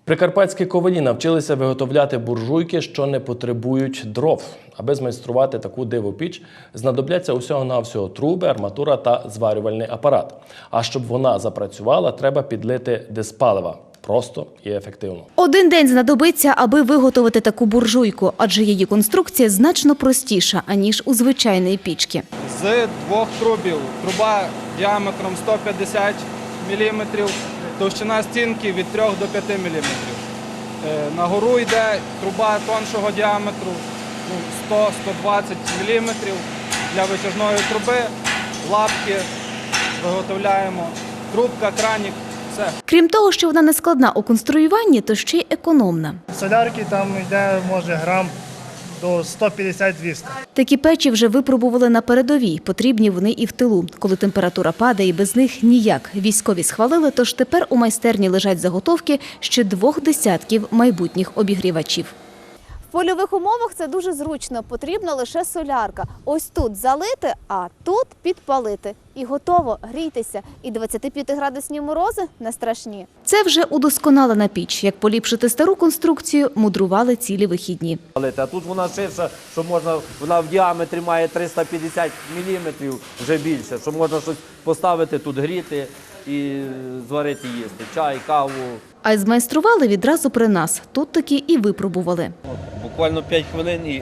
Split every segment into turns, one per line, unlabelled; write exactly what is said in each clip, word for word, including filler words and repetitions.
Прикарпатські ковалі навчилися виготовляти буржуйки, що не потребують дров. Аби змайструвати таку дивопіч, знадобляться усього-навсього труби, арматура та зварювальний апарат. А щоб вона запрацювала, треба підлити диспалива. Просто і ефективно.
Один день знадобиться, аби виготовити таку буржуйку, адже її конструкція значно простіша, аніж у звичайної пічки.
З двох трубів. Труба діаметром сто п'ятдесят міліметрів, товщина стінки від трьох до п'яти міліметрів. Нагору йде труба тоншого діаметру сто - сто двадцять міліметрів. Для витяжної труби лапки виготовляємо, трубка, кранік. Все.
Крім того, що вона не складна у конструюванні, то ще й економна.
Солярки там йде, може, грам до сто п'ятдесят - двісті.
Такі печі вже випробували на передовій, потрібні вони і в тилу. Коли температура падає, без них ніяк. Військові схвалили, тож тепер у майстерні лежать заготовки ще двох десятків майбутніх обігрівачів.
В польових умовах це дуже зручно, потрібна лише солярка. Ось тут залити, а тут підпалити. І готово, грійтеся. І двадцятип'ятиградусні морози не страшні.
Це вже удосконалена піч. Як поліпшити стару конструкцію, мудрували цілі вихідні.
А тут вона ширша, що можна, вона в діаметрі має триста п'ятдесят міліметрів, вже більше, що можна щось поставити тут, гріти і зварити їсти, чай, каву.
А й змайстрували відразу при нас. Тут таки і випробували.
Буквально п'ять хвилин і,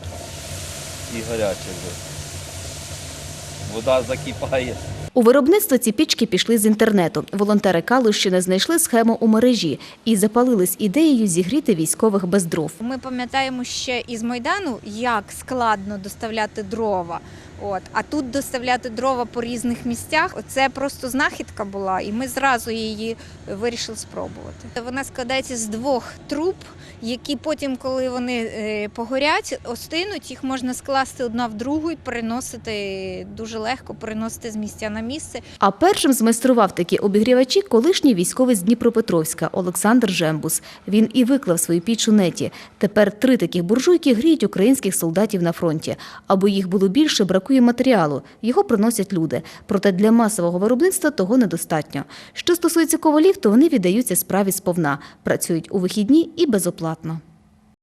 і гаряче вже. Вода закипає.
У виробництво ці пічки пішли з інтернету. Волонтери Калущини знайшли схему у мережі і запалились ідеєю зігріти військових без дров.
Ми пам'ятаємо ще із Майдану, як складно доставляти дрова. От. А тут доставляти дрова по різних місцях – це просто знахідка була, і ми зразу її вирішили спробувати. Вона складається з двох труб, які потім, коли вони погорять, остинуть, їх можна скласти одна в другу і переносити дуже легко, переносити з місця на місце.
А першим змайстрував такі обігрівачі колишній військовий з Дніпропетровська Олександр Жембус. Він і виклав свою піч у неті. Тепер три таких буржуйки гріють українських солдатів на фронті. Аби їх було більше, бракує матеріалу. Його приносять люди. Проте для масового виробництва того недостатньо. Що стосується ковалів, то вони віддаються справі сповна. Працюють у вихідні і безоплатно.